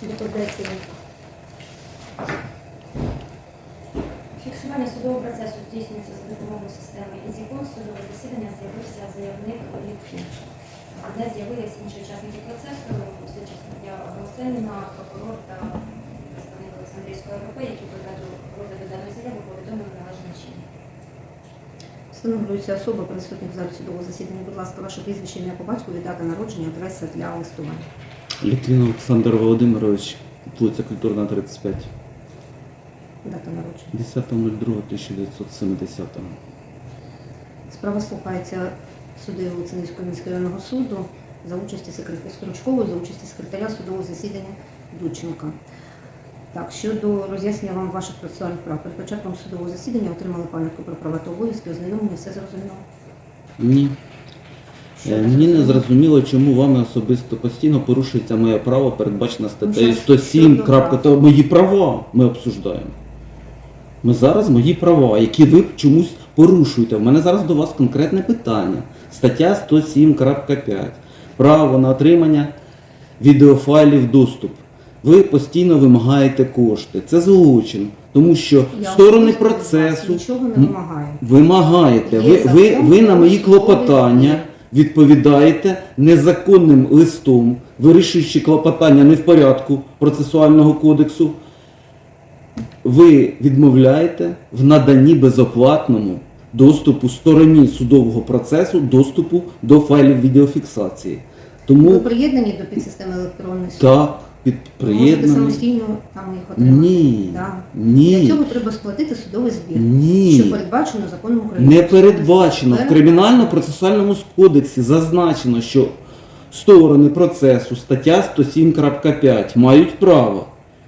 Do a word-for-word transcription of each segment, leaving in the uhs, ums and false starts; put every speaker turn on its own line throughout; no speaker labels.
Доповідається.
Фіксування судового процесу здійснюється за допомогою системи «Ізікон». Судове засідання з'явився заявник Літвін. Не з'явилися інші учасники процесу, слідча суддя Голосеніна, прокурор та представник Олександрійської РП, які проведу розгляду даної заяви, повідомили належним чином.
Встановлюється особа присутня в залі судового засідання. Будь ласка, ваше прізвище, ім'я по батькові, дата народження, адреса для листування.
Літвін Олександр Володимирович, вулиця Культурна, тридцять п'ять.
Дата народження.
десяте другого тисяча дев'ятсот сімдесятого.
Справа слухається суддею Олександрійського міського районного суду за участі секретаря Стручкової, за участі секретаря судового засідання Дученка. Так, щодо роз'яснення вам ваших процесуальних прав. Перед початком судового засідання отримали пам'ятку про права та обов'язки, ознайомлення, все зрозуміло?
Ні.
Що
Е,
ви
Мені не
зрозуміли?
зрозуміло, чому вами особисто постійно порушується моє право, передбачено статтею
Ну,
сто сім.
щодо
крапка,
прав.
то мої права ми обсуждаємо. Ми зараз мої права, які ви чомусь порушуєте. У мене зараз до вас конкретне питання. Стаття сто сім крапка п'ять. Право на отримання відеофайлів доступ. Ви постійно вимагаєте кошти. Це злочин, тому що
Я
сторони
особисто від вас
процесу
нічого не
м,
вимагаю.
вимагаєте.
Є
Ви, ви,
закон
ви на
про
мої
судовий
клопотання
збір.
відповідаєте незаконним листом, вирішуючи клопотання не в порядку процесуального кодексу. Ви відмовляєте в наданні безоплатному доступу стороні судового процесу, доступу до файлів відеофіксації.
Ви
Тому
приєднані до підсистеми електронної суду?
так, під
Ви можете
приєднаний.
самостійно там їх отримати?
Ні,
Да. Для
ні,
цього треба сплатити судовий збір, що
ні.
передбачено законом України.
Не передбачено. В Кримінально-процесуальному кодексі зазначено, що сторони процесу, стаття сто сім крапка п'ять, мають право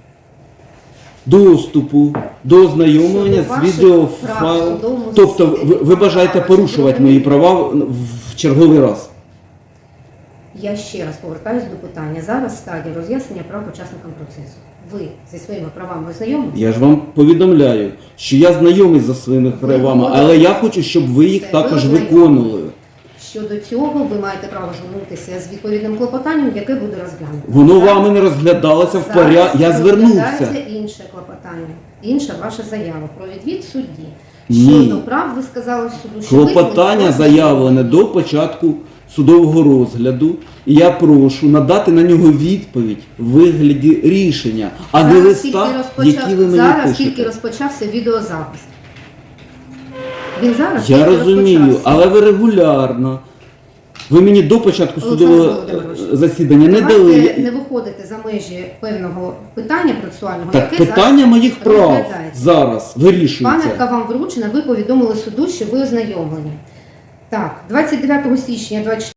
доступу до ознайомлення
Щодо
з
ваших
відеофайлом.
прав в судовому
Тобто ви,
засіданні.
ви бажаєте
Ага,
порушувати мої права в, в черговий раз.
Я ще раз повертаюся до питання. Зараз стадія роз'яснення прав учасникам процесу. Ви зі своїми правами ознайомилися?
Я ж вам повідомляю, що я знайомий за своїми правами, але я хочу, щоб ви їх
Все,
також
ви
виконували.
Щодо цього, ви маєте право звернутися з відповідним клопотанням, яке буде розглянуто.
Воно
Зараз-
вами не розглядалося в
зараз
порядку. Я звернувся.
розглядається інше клопотання, інша ваша заява про відвід судді.
Ні.
Щодо прав, ви сказали суду, що ви з
Клопотання
ним
заявлене до початку судового розгляду, і я прошу надати на нього відповідь в вигляді рішення, а не
Зараз
листа,
тільки розпочав-
які ви мені
Зараз тільки
пишете.
розпочався відеозапис. Він зараз
Я
тільки
розумію,
розпочався.
але ви регулярно. Ви мені до початку
Олександр
судового
Володимирович,
засідання не
давайте
дали.
не виходити за межі певного питання процесуального,
Так
яке
питання
зараз
моїх прав
розглядається.
зараз вирішується.
Пам'ятка вам вручена, ви повідомили суду, що ви ознайомлені. Так, двадцять дев'ятого січня двадцять